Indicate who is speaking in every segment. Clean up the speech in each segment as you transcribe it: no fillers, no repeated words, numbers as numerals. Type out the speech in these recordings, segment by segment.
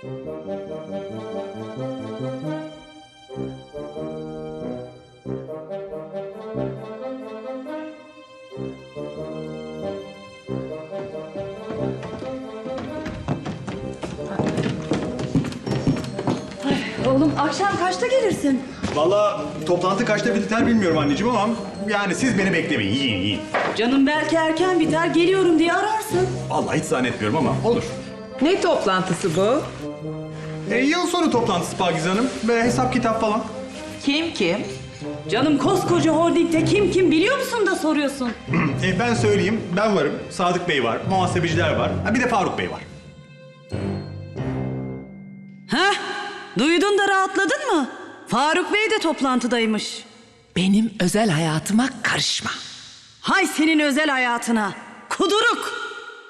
Speaker 1: Oğlum akşam kaçta gelirsin?
Speaker 2: Vallahi toplantı kaçta biter bilmiyorum anneciğim ama yani siz beni beklemeyin. Yiyin.
Speaker 1: Canım belki erken biter, geliyorum diye ararsın.
Speaker 2: Vallahi hiç zannetmiyorum ama olur.
Speaker 3: Ne toplantısı bu?
Speaker 2: Yıl sonu toplantısı Pakize Hanım ve hesap kitap falan.
Speaker 3: Kim?
Speaker 1: Canım koskoca holdingde kim biliyor musun da soruyorsun?
Speaker 2: Ben söyleyeyim, ben varım, Sadık Bey var, muhasebeciler var, bir de Faruk Bey var.
Speaker 1: Heh, duydun da rahatladın mı? Faruk Bey de toplantıdaymış.
Speaker 3: Benim özel hayatıma karışma.
Speaker 1: Hay senin özel hayatına. Kuduruk.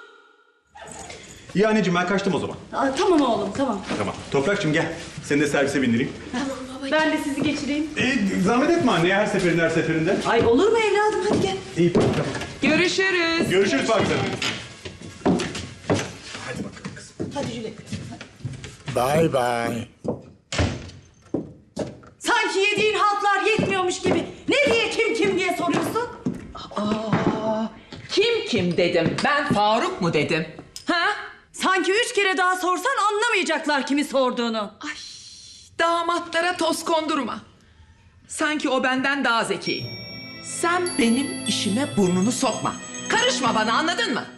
Speaker 2: İyi anneciğim, ben kaçtım o zaman.
Speaker 1: Tamam oğlum, tamam.
Speaker 2: Tamam. Toprakçığım gel, seni de servise bindireyim.
Speaker 1: Ben de sizi geçireyim.
Speaker 2: Zahmet etme anneye her seferinde.
Speaker 1: Ay olur mu evladım, hadi gel.
Speaker 2: İyi, tamam.
Speaker 3: Görüşürüz.
Speaker 2: Görüşürüz Pakize Hanım. Hadi bakalım kızım.
Speaker 1: Hadi Jülek.
Speaker 4: Bye bye.
Speaker 1: Sanki yediğin haltlar yetmiyormuş gibi. Ne diye kim diye soruyorsun?
Speaker 3: Kim dedim? Ben Faruk mu dedim? Ha?
Speaker 1: Sanki 3 kere daha sorsan anlamayacaklar kimi sorduğunu.
Speaker 3: Ay, damatlara toz kondurma. Sanki o benden daha zeki. Sen benim işime burnunu sokma. Karışma bana, anladın mı?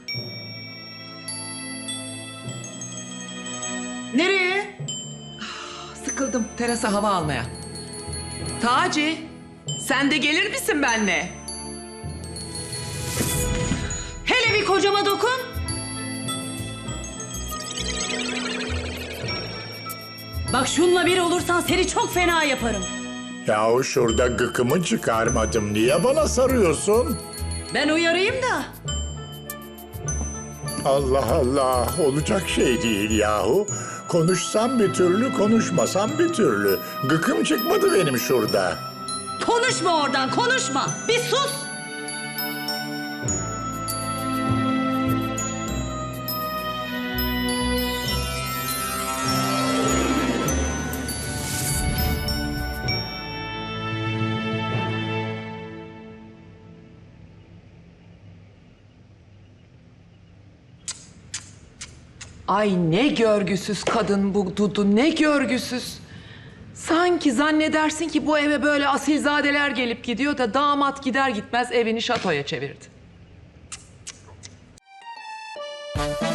Speaker 1: Nereye?
Speaker 3: Sıkıldım terasa hava almaya. Taci, sen de gelir misin benimle?
Speaker 1: Hele bir kocama dokun. Bak şunla bir olursan seni çok fena yaparım.
Speaker 4: Yahu şurada gıkımı çıkarmadım. Niye bana sarıyorsun?
Speaker 1: Ben uyarayım da.
Speaker 4: Allah Allah, olacak şey değil yahu. Konuşsam bir türlü, konuşmasam bir türlü. Gıkım çıkmadı benim şurada.
Speaker 1: Konuşma oradan, konuşma. Bir sus.
Speaker 3: Ay ne görgüsüz kadın bu Dudu, ne görgüsüz. Sanki zannedersin ki bu eve böyle asilzadeler gelip gidiyor da damat gider gitmez evini şatoya çevirdi.